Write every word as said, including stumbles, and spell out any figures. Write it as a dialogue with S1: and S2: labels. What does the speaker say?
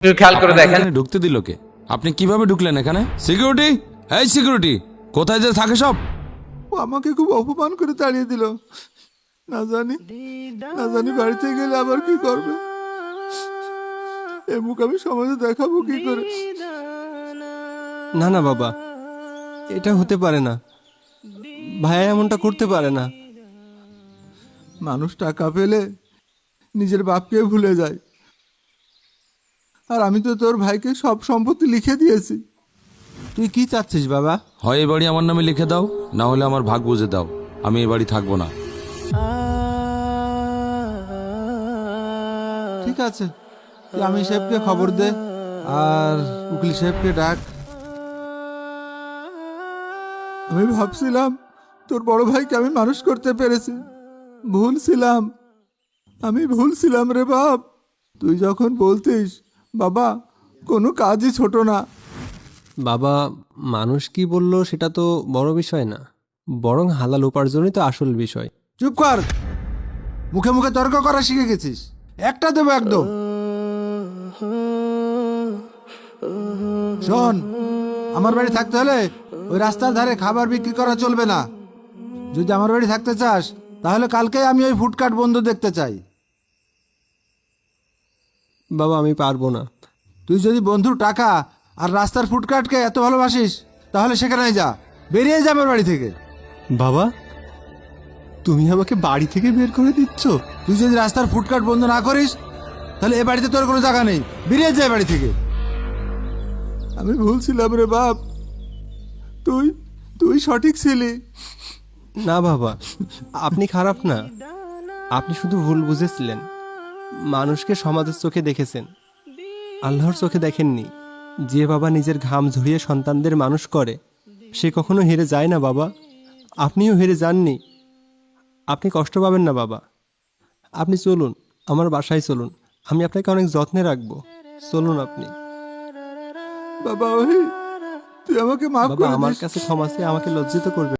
S1: একটু খেয়াল করে দেখেন।
S2: এখানে ঢুকতে দিল কে? আপনি কিভাবে ঢুকলেন এখানে? সিকিউরিটি, এই সিকিউরিটি, কোথায় যে থাকে সব?
S3: ও আমাকে খুব অপমান করে তাড়িয়ে দিল। না জানি না জানি বাড়িতে গেলে আবার কি করবে। এ মুখ আমি সমাজে দেখাবো কি করে?
S4: না না বাবা, এটা হতে পারে না। ভাইয়া এমনটা করতে পারে না।
S3: মানুষ টাকা পেলে নিজের বাপকে ভুলে যায়, আর আমি তো তোর ভাইকে সব সম্পত্তি লিখে দিয়েছি। তুই কি চাচ্ছিস বাবা?
S2: হয় এই বাড়ি আমার নামে লিখে দাও, না হলে আমার ভাগ বুঝে দাও। আমি এই বাড়ি থাকবো না।
S3: ঠিক আছে, তুই আমি সাহেবকে খবর দে আর উকিল সাহেবকে ডাক। আমি ভাবছিলাম তোর বড় ভাইকে আমি মানুষ করতে পেরেছি। ভুল ছিলাম, আমি ভুল ছিলাম রে বাপ। তুই যখন বলতিস বাবা কোনো কাজই ছোট না।
S4: বাবা, মানুষ কি বলল সেটা তো বড় বিষয় না, বরং হালাল উপার্জনই তো আসল বিষয়।
S3: চুপ কর, মুখে মুখে তর্ক করা শিখে গেছিস। একটা দেবো একদম। শোন, আমার বাড়ি থাকতে হলে ওই রাস্তার ধারে খাবার বিক্রি করা চলবে না। যদি আমার বাড়ি থাকতে চাস তাহলে কালকে আমি ওই ফুডকার্ট বন্ধ দেখতে চাই।
S4: বাবা, আমি পারবো না।
S3: তুই যদি বন্ধুর টাকা আর রাস্তার ফুডকার্টকে এত ভালোবাসিস তাহলে সেখানেই যা, বেরিয়ে যা আমার বাড়ি থেকে।
S4: বাবা, তুমি আমাকে বাড়ি থেকে বের করে দিচ্ছ?
S3: তুই যদি রাস্তার ফুডকার্ট বন্ধ না করিস তাহলে এ বাড়িতে তোর কোনো জায়গা নেই, বেরিয়ে যা বাড়ি থেকে। আমি ভুল ছিলাম রে বাপ, তুই তুই সঠিক ছিলি।
S4: না বাবা, আপনি খারাপ না, আপনি শুধু ভুল বুঝেছিলেন। মানুষকে সমাজের চোখে দেখেছেন, আল্লাহর চোখে দেখেননি। যে বাবা নিজের ঘাম ঝরিয়ে সন্তানদের মানুষ করে সে কখনো হেরে যায় না বাবা। আপনিও হেরে যাননি, আপনি কষ্ট পাবেন না বাবা। আপনি চলুন, আমার বাসায় চলুন, আমি আপনাকে অনেক যত্নে রাখবো। চলুন আপনি।
S3: বাবা ওই তুই আমাকে মাফ
S4: বাবা,
S3: করে
S4: আমার
S3: দিস।
S4: কাছে ক্ষমা চেয়ে আমাকে লজ্জিত করবে।